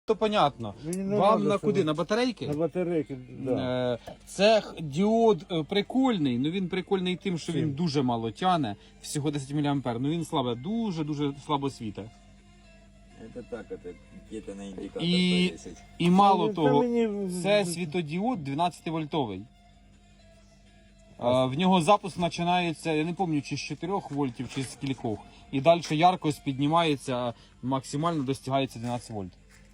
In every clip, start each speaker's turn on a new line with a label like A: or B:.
A: то понятно. Вам на куди? На батарейки?
B: На батарейки, да.
A: Це діод прикольний, ну він прикольний тим, що він дуже мало тяне, всього 10 мА, ну він слабо, дуже слабо світить.
C: Это так, это где-то на индикатор
A: І,
C: повесить.
A: і мало
B: Та
A: того,
B: мені-
A: це світодіод 12 вольтовий. В нього запуск починається, я не пам'ятаю, чи з 4 вольтів, чи з кількох. І далі яркость піднімається, максимально достигається 12 вольт.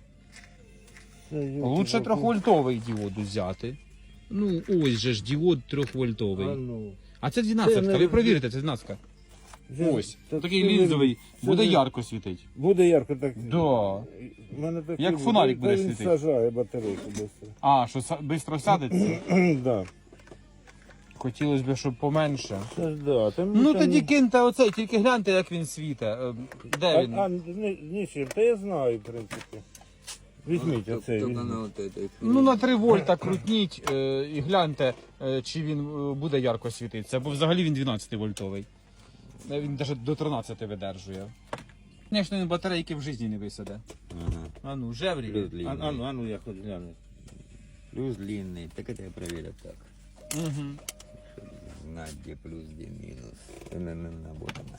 A: Лучше 3-вольтовий діод взяти. Ну, ось же ж діод 3-вольтовий. А це 12, ви провірите, це 12. Ось, такий лінзовий, буде ярко світити.
B: Буде ярко, так.
A: Да.
B: У мене такий
A: Як фонарик буде
B: він
A: світити.
B: сажає батарейку швидко.
A: А, що швидко сядеться?
B: Да.
A: Хотілося б, щоб поменше.
B: Це ж да.
A: Ну тоді киньте оцей, тільки гляньте, як він світить. Де він?
B: Нічим, та я знаю, в принципі. Візьміть оцей.
C: Только
B: візьміть.
C: на вот этой.
A: Ну на 3 вольта крутніть і гляньте, чи він буде ярко світитися, бо взагалі він 12 вольтовий. Він навіть до 13 видержує. Звісно, він батарейки в житті не висаде.
C: Ага.
A: А ну, жеврі.
C: Плюс длинный.
B: А ну я хоч гляну.
C: Плюс длинный. Так это я проверю так.
A: Угу.
C: На где плюс, где минус. Наботано.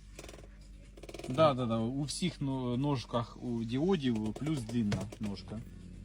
A: Да. У всіх ножках у діодів плюс длинна ножка.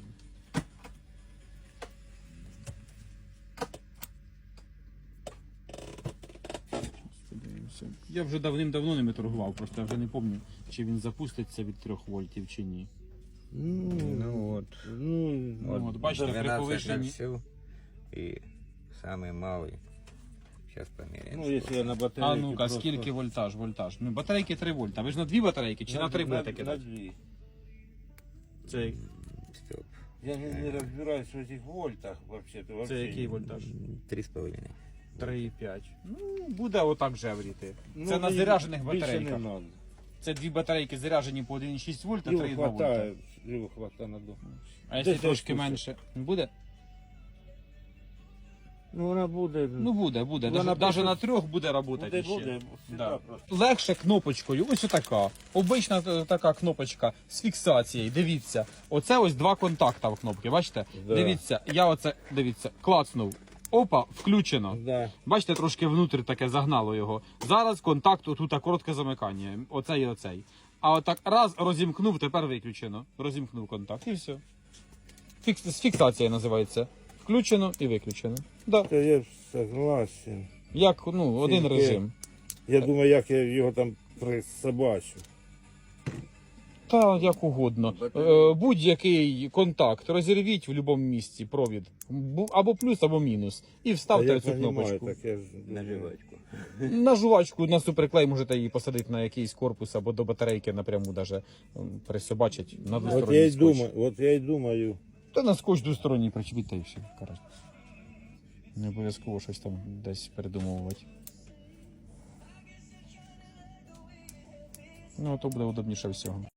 A: Я вже давним-давно ними торгував, просто я вже не пам'ятаю, чи він запуститься від 3 вольтів чи ні.
C: Ну вот.
A: Ну, от, бачите, при
C: 12 на
A: повишенні.
C: всю. И самый малый. Сейчас померяем.
B: Ну, якщо я на батарейки.
A: А ну-ка, скільки вольтаж? Ну, батарейки 3 вольта. Ви ж на 2 батарейки чи на 3 будете
B: На
A: кидати?
B: дві.
A: Це,
C: Стоп.
B: Я не розбираюсь в цих вольтах взагалі.
A: це який вольтаж?
C: 3,5.
A: 3,5. Ну, буде отак жевріти.
B: Ну,
A: Це на
B: мені
A: заряджених
B: більше
A: батарейках.
B: не надо.
A: Це 2 батарейки заряджені по 1,6 вольта,
B: Його
A: 3,2 вольта.
B: хватає, його хватає на дом.
A: А якщо
B: Десь
A: трошки
B: десь
A: менше? Буде?
B: Ну вона буде.
A: Ну буде.
B: Вона
A: Навіть
B: просто-
A: на 3 буде працювати ще.
B: Буде,
A: Да.
B: просто.
A: Легше кнопочкою, ось така. Обична така кнопочка з фіксацією. Дивіться, оце ось 2 контакта в кнопці, бачите?
B: Да.
A: Дивіться, я оце, дивіться, клацнув. Опа, включено.
B: Да.
A: Бачите, трошки внутрі таке загнало його. Зараз контакт, отут коротке замикання. Оцей і оцей. А отак раз розімкнув, тепер виключено. Розімкнув контакт і все. З фіксацією називається. Включено і виключено. Да.
B: Та я ж согласен.
A: Як, один
B: Тільки-
A: режим.
B: Я думаю, як я його там присобачу.
A: Та як угодно. Будь-який контакт розірвіть в будь-якому місці провід. Або плюс, або мінус. І
B: Та
A: вставте
B: я
A: цю кнопочку.
B: так я ж
C: На жвачку.
A: На жувачку, на суперклей можете її посадити на якийсь корпус або до батарейки напряму даже присобачить на
B: От
A: двосторонній
B: я й
A: скотч.
B: думаю, от я й думаю.
A: Та на скотч двосторонній причепіть та і все. Коротше. Не обов'язково щось там десь передумовувати. Ну, то буде удобніше всього.